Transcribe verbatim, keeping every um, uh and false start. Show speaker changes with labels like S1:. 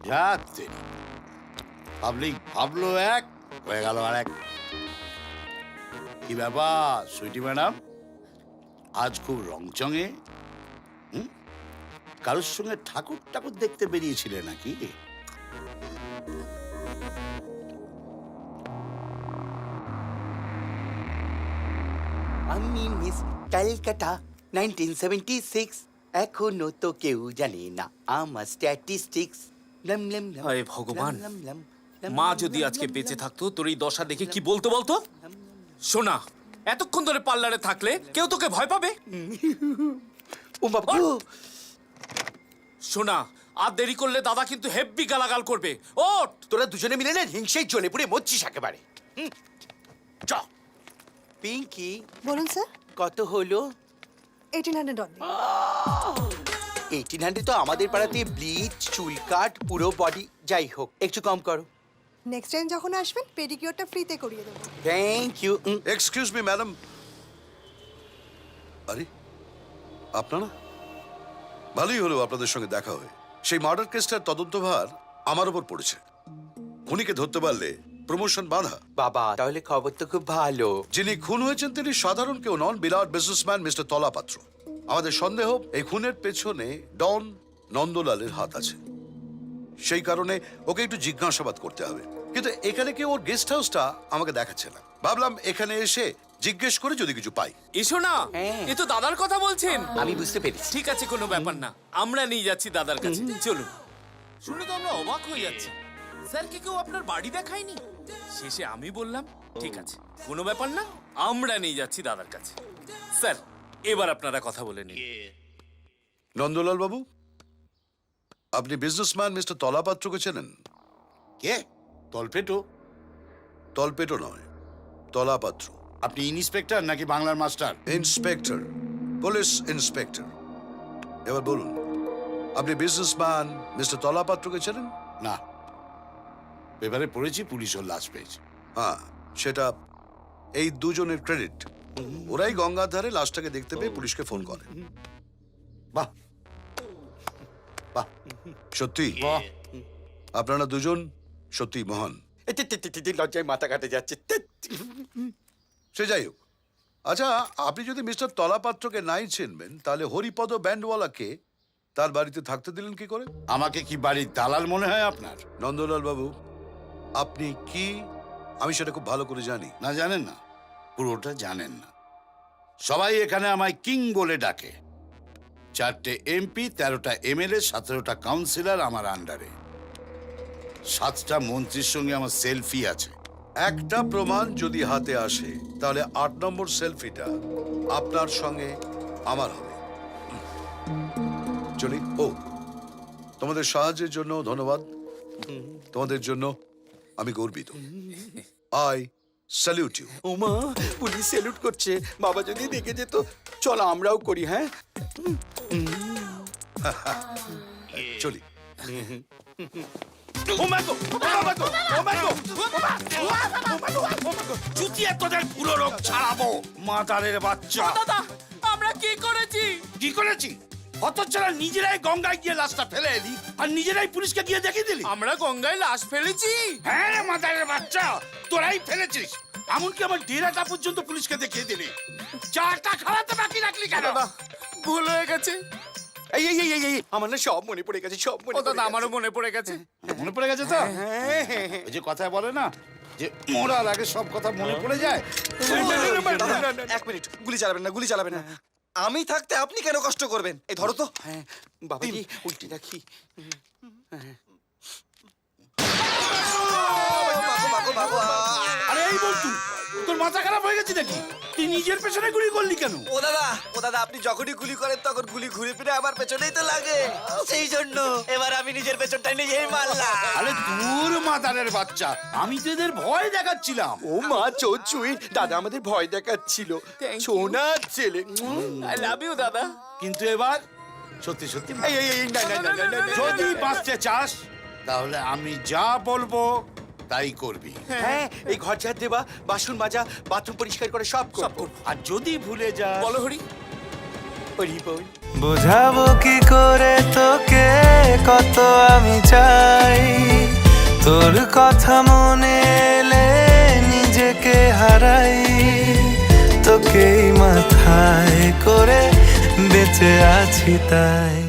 S1: যাচ্ছে পাবলিক ভাবলো এক, হয়ে গেল আর এক। কি ব্যাপার সুইটি ম্যাডাম, আজ খুব রংচঙে? হুম, কারোর সঙ্গে ঠাকুর ঠাকুর দেখতে বেরিয়েছিলে নাকি?
S2: আমি miss Calcutta nineteen seventy six, এখনো তো কেউ জানে না আমার স্ট্যাটিস্টিক্স।
S3: হায় ভগবান, মা যদি আজকে বেঁচে থাকতো তোর এই দশা দেখে কি বলতো বলতো? শোনা, এতক্ষণ ধরে পার্লারে থাকলে কেউ তোকে ভয় পাবে?
S2: ও বাবা,
S3: শোনা, আর দেরি করলে দাদা কিন্তু হেব্বি গালাগাল করবে। ওঠ!
S2: তোরা দুজনে মিলে না হিংসেই জ্বলে পুড়ে মরছিস একেবারে। হুম, চ। পিঙ্কি,
S4: বলুন স্যার।
S2: কত হলো?
S4: Eighteen hundred only.
S2: Eighteen hundred তো আমাদের পাড়াতে ব্লিচ, চুল কাট, পুরো বডি, যাই হোক একটু কম করো।
S4: নেক্সট টাইম যখন আসবেন পেডিকিউরটা ফ্রিতে করিয়ে দেবো।
S2: Thank you.
S5: Excuse me madam. আরে আপনারা? ভালোই হলো আপনাদের সঙ্গে দেখা হয়ে। সেই মার্ডার কেসটার তদন্তভার আমার উপর পড়েছে। খুনিকে ধরতে পারলে প্রমোশন বাঁধা।
S2: বাবা, তাহলে খবর তো খুব ভালো।
S5: যিনি খুন হয়েছেন তিনি সাধারণ কেউ নন, বিরাট বিজনেসম্যান মিস্টার তলাপাত্র। আমাদের সন্দেহ এই খুনের পেছনে ডন নন্দলালের হাত আছে। সেই কারণে ওকে একটু জিজ্ঞাসাবাদ করতে হবে। কিন্তু এখানে কেউ ওর গেস্ট হাউসটা আমাকে দেখাচ্ছে না। ভাবলাম এখানে এসে জিজ্ঞেস করে যদি কিছু পাই।
S3: এসো না,
S2: হ্যাঁ।
S3: এ তো দাদার কথা বলছেন।
S2: আমি বুঝতে পেরেছি।
S3: ঠিক আছে, কোনো ব্যাপার না, আমরা নিয়ে যাচ্ছি দাদার কাছে। চলুন। শুনে তো আমরা অবাক হয়ে যাচ্ছি, স্যারকে কেউ আপনার বাড়ি দেখায়নি। শেষে আমি বললাম ঠিক আছে, কোনো ব্যাপার না, আমরা নিয়ে যাচ্ছি দাদার কাছে। স্যার, এবার আপনারা কথা বলে নিন।
S5: নন্দলাল বাবু, আপনি বিজনেসম্যান মিস্টার তলাপাত্রকে চেনেন?
S1: কে? তলপেটো?
S5: তলপেটো নয়, তলাপাত্র।
S1: আপনি ইন্সপেক্টর নাকি বাংলার মাস্টার?
S5: Inspector, police inspector. এবার বলুন, আপনি বিজনেসম্যান মিস্টার তলাপাত্রকে চেনেন?
S1: না, পেপারে পড়েছি পুলিশ ওর লাশ পেয়েছে।
S5: হ্যাঁ, সেটা এই দুজনের ক্রেডিট। ওরাই গঙ্গার ধারে লাশটাকে দেখতে পেয়ে পুলিশকে ফোন করে।
S1: বাহ বাহ
S5: সত্যি
S1: বাহ,
S5: আপনারা দুজন সত্যি মহান।
S2: এ, তে, তে, তে, তে, লজ্জায় মাথা কাটে যাচ্ছে। তে,
S5: সে যাই হোক, আচ্ছা আপনি যদি মিস্টার তলাপাত্রকে নাই চিনবেন তাহলে হরিপদ ব্যান্ডওয়ালাকে তার বাড়িতে থাকতে দিলেন কি করে?
S1: আমাকে কি বাড়ির দালাল মনে হয় আপনার?
S5: নন্দলাল বাবু, আপনি কি আমি সেটা খুব ভালো করে জানি।
S1: না, জানেন না, পুরোটা জানেন না। সবাই এখানে আমায় কিং বলে ডাকে। চারটে এমপি, তেরোটা এমএলএ, সতেরোটা কাউন্সিলর আমার আন্ডারে। সাতটা মন্ত্রীর সঙ্গে আমার সেলফি আছে।
S5: একটা প্রমাণ যদি হাতে আসে তাহলে আট নম্বর সেলফিটা আপনার সঙ্গে আমার হবে। চলি। ও, তোমাদের সাহায্যের জন্য ধন্যবাদ। তোমাদের জন্য আমি গর্বিত। I salute you.
S2: ওমা, পুলিশ স্যালুট করছে। বাবা যদি দেখে যেত। চলো আমরাও করি। হ্যাঁ,
S5: চলি।
S1: চুতিয়া তোদের পুরো রোগ ছাড়াবো, মাতারের বাচ্চা।
S3: দাদা, আমরা কি করেছি?
S1: কি করেছি? হতচ্ছাড়া নিজেরাই গঙ্গায় গিয়ে লাশটা ফেলে এলি আর নিজেরাই পুলিশকে গিয়ে দেখিয়ে দিলি।
S3: আমরা গঙ্গায় লাশ ফেলেছি?
S1: হ্যাঁ রে মাতারের বাচ্চা, তোরাই ফেলেছিস। এমনকি আমার ডেরাটা পর্যন্ত পুলিশকে দেখিয়ে দিলি। চাটা খাওয়াতে বাকি রাখলি কেন?
S3: দাদা, ভুল হয়ে গেছে।
S2: এই এই এই, এই এই, আমার না সব মনে পড়ে গেছে, সব মনে
S3: ও
S2: পড়ে
S3: দাদা,
S2: গেছে।
S3: আমারও মনে পড়ে গেছে।
S1: মনে পড়ে গেছে তো?
S2: হ্যাঁ, হ্যাঁ, হ্যাঁ।
S1: ওই যে কথায় বলে না যে মরার আগে সব কথা মনে পড়ে যায়।
S6: এক মিনিট, গুলি চালাবেন না, গুলি চালাবেন না। আমি থাকতে আপনি কেন কষ্ট করবেন? এই ধরো তো।
S2: হ্যাঁ, বাবাজি উল্টে রাখি।
S6: ভাগো, ভাগো, ভাগো, আ!
S1: আরে এই বলতু, তোর মাথা খারাপ হয়ে গেছে নাকি? তুই নিজের পেছনে গুলি করলি কেন?
S6: ও দাদা, ও দাদা, আপনি যখনই গুলি করেন তখন গুলি ঘুরে ফিরে আমার পেছনেই তো লাগে। সেই জন্য এবার আমি নিজের পেছনটা নিজেই মারলাম।
S1: আরে দূর মাতারের বাচ্চা, আমি তো এদের ভয় দেখাচ্ছিলাম।
S2: ও মা চোচুই, দাদা আমাদের ভয় দেখাচ্ছিল।
S3: Thank you.
S2: সোনা ছেলে।
S3: আই লাভ ইউ দাদা।
S1: কিন্তু এবার সত্যি সত্যি
S2: এই এই এই, না না না না, না, না,
S1: যদি বাঁচতে চাস তাহলে আমি যা বলবো তাই করবি।
S2: হ্যাঁ, এই ঘর ঝাড় দেবা, বাসন মাজা, বাথরুম পরিষ্কার করে সব
S3: সব
S2: করব।
S3: করব।
S1: আর যদি ভুলে যাস,
S3: বলো হরি।
S2: হরি বল।
S7: বোঝাবো কি করে তোকে কত আমি চাই, তোর কথা মনে এলে নিজেকে হারাই, তোকেই মাথায় করে বেঁচে আছি তাই।